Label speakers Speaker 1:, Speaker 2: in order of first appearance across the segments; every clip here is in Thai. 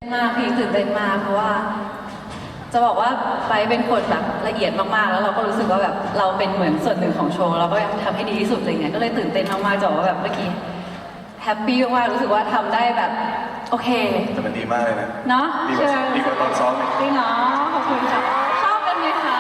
Speaker 1: มากพี่ตื่นเต้นมากเพราะว่าจะบอกว่าไปเป็นคนแบบละเอียดมากๆแล้วเราก็รู้สึกว่าแบบเราเป็นเหมือนส่วนหนึ่งของโชว์เราก็อยากทำให้ดีที่สุดอะไรเงี้ยก็เลยตื่นเต้นมากๆจะบอกว่าแบบเมื่อกี้แฮปปี้มากรู้สึกว่าทำได้แบบโอเค
Speaker 2: แต่มันดีมากเลยนะ
Speaker 1: เนาะ
Speaker 2: ดีกว่าตอนซ้อม
Speaker 1: จริงเนาะขอบคุณค่ะชอบกันไหมคะ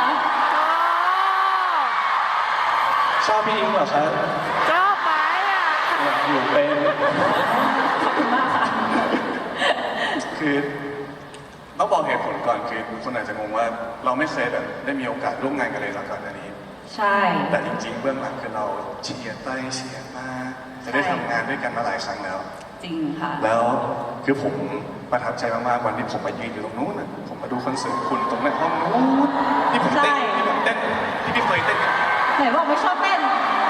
Speaker 2: ชอบพี่อิงเหรอครับ
Speaker 3: ชอบไหมอ่ะ
Speaker 2: อยู่เป็น
Speaker 1: ขอบคุณมากค่ะ
Speaker 2: คือต้องบอกเหตุผลก่อนคือคนอาจจะงงว่าเราไม่เคยแบบได้มีโอกาสร่วมงานกันเลยหลังจากนี้
Speaker 1: ใช่
Speaker 2: แต่จริงๆเบื้องหลังคือเราเชียร์ไปเชียร์มาจะได้ทำงานด้วยกันมาหลายครั้งแล้ว
Speaker 1: จริงค่ะ
Speaker 2: แล้วคือผมประทับใจมากๆวันที่ผมมายืนอยู่ตรงนู้นนะผมมาดูคอนเสิร์ตคุณตรงในห้องนู้นที่ผมเต้นที่พี่เคยเต้น
Speaker 1: ไหนบอกไม่ชอบเต้น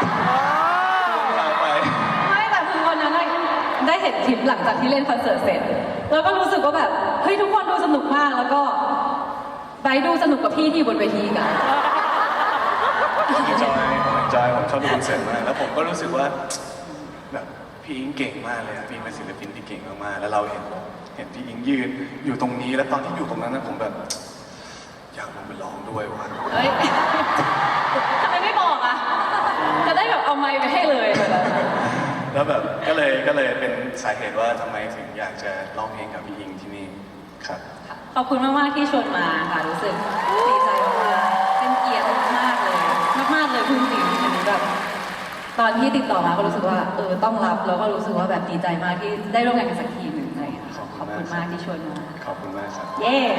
Speaker 2: ไป
Speaker 1: ไม่แต่คือวันนั้นได้เห็นคลิปหลังจากที่เล่นคอนเสิร์ตเสร็จแล้วก็รู้สึกว่าแบบเฮ้ยทุกคนดูสนุกมากแล้วก็ไปดูสนุกกับพี่ที่บนเวทีกัน
Speaker 2: ผมจอยผมชอบดูคอนเสิร์ตมากแล้วผมก็รู้สึกว่าแบบพี่อิงเก่งมากเลยอะพี่เป็นศิลปินที่เก่งมากๆแล้วเราเห็นพี่อิงยืนอยู่ตรงนี้แล้วตอนที่อยู่ตรงนั้นนะผมแบบอยากลงไปร้องด้วยว่ะ
Speaker 1: เฮ้ยทำไมไม่บอกอ่ะจะได้แบบเอาไมค์ไปให้เลย
Speaker 2: แล้วแบบก็เลยเป็นสาเหตุว่าทำไมถึงอยากจะร้องเพลงกับพี่อิงที่นี่ครับ
Speaker 1: ขอบคุณมากๆที่ชวนมาค่ะรู้สึกดีใจมากๆเป็นเกียรติมากเลยมากๆเลยคุณจริงอันนี้แบบตอนที่ติดต่อมาก็รู้สึกว่าต้องรับแล้วก็รู้สึกว่าแบบดีใจมากที่ได้ร่วมงานกันสักทีหนึ่งอะไรอย่างเงี้ยขอบคุณมากที่ชวนมา
Speaker 2: ขอบคุณมากครับ
Speaker 1: เย้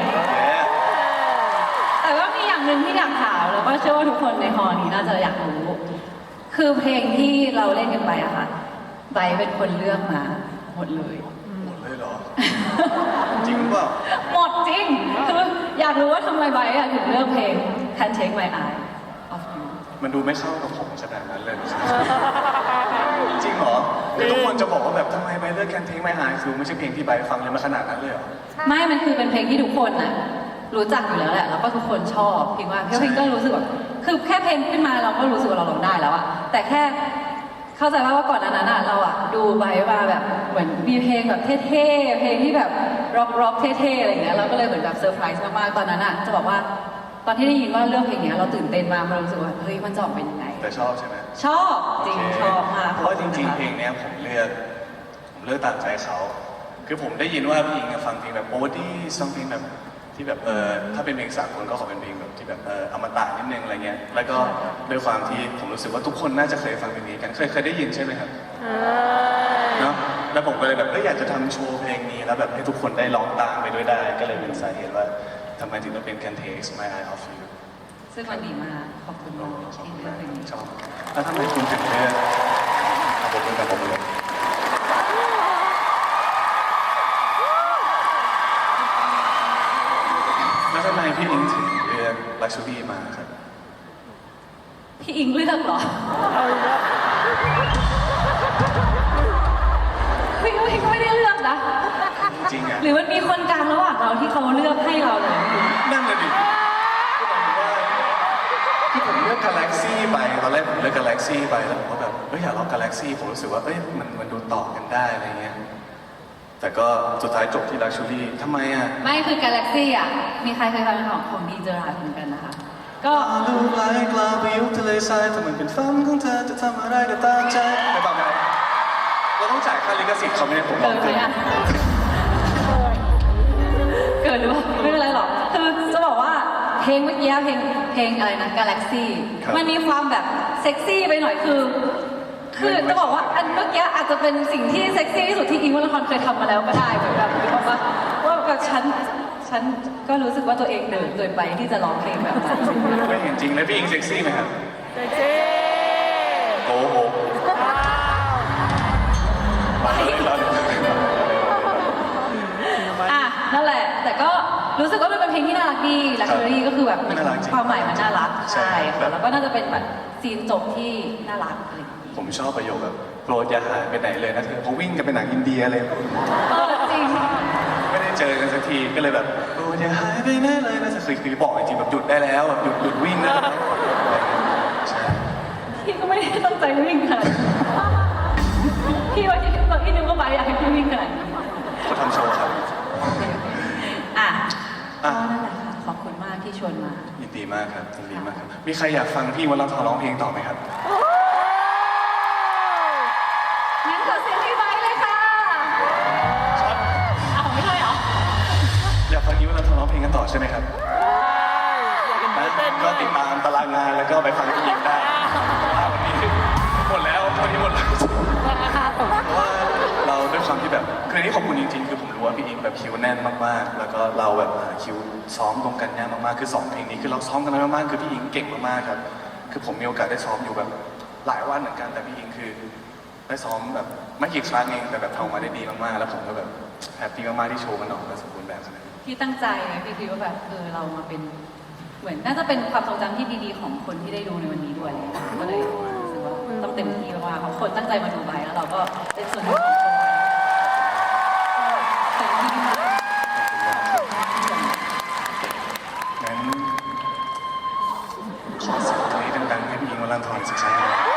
Speaker 1: แต่ว่ามีอย่างหนึ่งที่อยากถามแล้วก็เชื่อว่าทุกคนในฮอลล์นี้น่าจะอยากรู้คือเพลงที่เราเล่นกันไปอะค่ะไบร์ทเป็นคนเลือกมาหมดเลย
Speaker 2: เหรอจริงเปล่า
Speaker 1: หมดจริงคืออยากรู้ว่าทำไมไบร์ทถึงเลือกเพลง Can't Take My Eye Off You
Speaker 2: มันดูไม่เข้ากับผมขนาดนั้นเลยจริงเหรอทุกคนจะบอกว่าแบบทำไมไบร์ทเลือก Can't Take My Eye คือไม่ใช่เพลงที่ไบร์ทฟังเลยมาขนาดนั้นเลยเหรอ
Speaker 1: ไม่มันคือเป็นเพลงที่ทุกคนน่ะรู้จักอยู่แล้วแหละแล้วก็ทุกคนชอบพิงว่าเพลงก็รู้สึกแบบคือแค่เพลงขึ้นมาเราก็รู้สึกว่าเราร้องได้แล้วอะแต่แค่เข้าใจว่าก่อนนั้นอะเราอะดูไบมาแบบเหมือนมีเพลงแบบเท่ๆเพลงที่แบบร็อกเท่ๆอะไรอย่างเงี้ยเราก็เลยเหมือนแบบเซอร์ไพรส์มากๆตอนนั้นอะจะบอกว่าตอนที่ได้ยินว่าเรื่องเพลงเนี้ยเราตื่นเต้นมากเรารู้สึกว่าเฮ้ยมันจะออกเป็นยังไง
Speaker 2: แต่ชอบใช่ไหม
Speaker 1: ชอบจริงชอบมาก
Speaker 2: เพราะว่าจริงๆเพลงเนี้ยผมเลือกตามใจเขาคือผมได้ยินว่าพี่อิงฟังเพลงแบบโอ้ดี้ซังเพลงแบบที่แบบถ้าเป็นเพลงสากลก็ขอเป็นเพลงแบบที่แบบอมตะนิดนึงอะไรเงี้ยแล้วก็ด้วยความที่ผมรู้สึกว่าทุกคนน่าจะเคยฟังเพลงนี้กันเคยได้ยินใช่ไหมครับเนาะแล้วผมก็เลยแบบอยากจะทำโชว์เพลงนี้แล้วแบบให้ทุกคนได้ร้องตามไปด้วยได้ก็เลยเป็นสาเหตุว่าทำไมถึงต้องเป็น Can't Take My Eye Off You
Speaker 1: ซึ่งมันดีมากขอบคุณมากที่เลือกเพลงนี้
Speaker 2: ชอบแล้วทำไมคุณถึงเลือกผมเป็นกับผมเลยแล้วทำไมพี่อิงถึงเลือกลักชูรี่มาครับ
Speaker 1: พี่อิงเลือกเหรอพี่อิงก็ไม่ได้เลือกนะ
Speaker 2: จริงอะ
Speaker 1: หรือมันมีคนกลางระหว่างเราที่เขาเลือกให้เราเลย
Speaker 2: นั่นเลยดิที่ผมเลือก Galaxy ไปตอนแรกผมเลือก Galaxy ไปแล้วผมก็แบบอยากลอง Galaxy ผมรู้สึกว่ามันดูต่อกันได้อะไรเงี้ยแต่ก็สุดท้ายจบที่ลักชูรี่ทำไมอ่ะ
Speaker 1: ไม่คือ Galaxy อ่ะมีใครเคยฟังของดีเจอราร์ดเหมือนกันนะคะก็
Speaker 2: ดูไกลกลาไปยุคทะเลทรายถ้ามันเป็นฝันของเธอจะทำอะไรก็ตามใจไม่บอกไหมเราต้องจ่ายค่าลิขสิทธิ์เขาไม่ได้ผมบอก
Speaker 1: เกินไหมอ่ะเกินหรือเปล่าไม่เป็นไรหรอกคือจะบอกว่าเพลงเมื่อกี้เพลงอะไรนะ Galaxy มันมีความแบบเซ็กซี่ไปหน่อยคือจะบอกว่าอันเมื่อกี้อาจจะเป็นสิ่งที่เซ็กซี่ที่สุดที่อิงวัลครเคยทำมาแล้วก็ได้เหมือนแบบว่าแบบฉันก็รู้สึกว่าตัวเองเดินเกินไปที่จะร้องเพลงแบบนั้น
Speaker 2: ไม่เห็นจริงเลยพี่อิงเซ็กซี่ไหมครับ
Speaker 3: เซ็กซี่
Speaker 2: โอ้โห
Speaker 1: นั่นแหละแต่ก็รู้สึกว่ามันเป็นเพลงที่น่ารักดีลักชัวรี่ก็คือแบบความหมายมันน่ารักใช่ค่ะแล้วก็น่าจะเป็นแบบซีนจบที่น่ารักอะไร
Speaker 2: ผมชอบประโยคแบบโปรดอย่าหายไปไหนเลยนะเธอเขาวิ่งกันไปหนังอินเดียเลย
Speaker 1: จริง
Speaker 2: ไม่ได้เจอกันสักทีก็เลยแบบโปรดอย่าหายไปไหนเลยนะจะคือบอกจริงแบบหยุดได้แล้วแบบหยุดวิ่งได้แล้ว
Speaker 1: พี่ก็ไม่ได้ตั้งใจวิ่งขนาดพี่ว่าที่นึกว่าไปอยากให้พี่วิ่งขนาดนี้
Speaker 2: เขาทำโชว์ครับ
Speaker 1: ชวนมา
Speaker 2: ยินดีมากครับยินดีมากครับ มีใครอยากฟังพี่วรทรร้องเพลงต่อไหมครับ
Speaker 1: งั้นขอเสียงพี่ไบค์เลยค่ะเอาไม่ใช่เหรอ
Speaker 2: อยากฟังพี่วรทรร้องเพลงกันต่อใช่ไหมครับ
Speaker 3: อยากเห็นมือเต้น
Speaker 2: ก็
Speaker 3: ด้วย
Speaker 2: ติดตามตารางงานแล้วก็ไปฟังพี่อิงได้วันนี้หมดแล้ววันนี้หมดแล้วเพราะว่าเราด้วยความที่แบบคืออนนี้ขอบคุณจริงๆ คือผมรู้ว่าพี่อิงแบบคิวแน่นมากๆ แล้วก็เราแบบหาคิวซ้อมตรงกันยากมากๆ คือ2เพลงนี้คือเราซ้อมกันมามากๆ คือพี่อิงเก่งมากๆครับ คือผมมีโอกาสได้ซ้อมอยู่แบบหลายวันเหมือนกัน แต่พี่อิงคือได้ซ้อมแบบไม่กี่ครั้งเองแต่แบบทำออกมาได้ดีมากๆ แล้วผมก็แบบแฮปปี้มากๆที่โชว์มันออกมาสมบูรณ์แบบขนาดนี้
Speaker 1: พี่ตั้งใจไงพี่คิดว่าแบบเรามาเป็นเหมือนน่าจะเป็นความทรงจำที่ดีๆของคนที่ได้ดูในวันนี้ด้วยก็เลยรู้สึกว่าต้องเต็มที่มากๆเพราะคนตั้งใจมาดูไบแล้วเราก็เป็นส่วนหนึ่งของโชว์เต็มที่มาก
Speaker 2: งั้นขอเสียงกรี๊ดดังๆให้พี่อิงวรันทรอีกสักครั้งหนึ่ง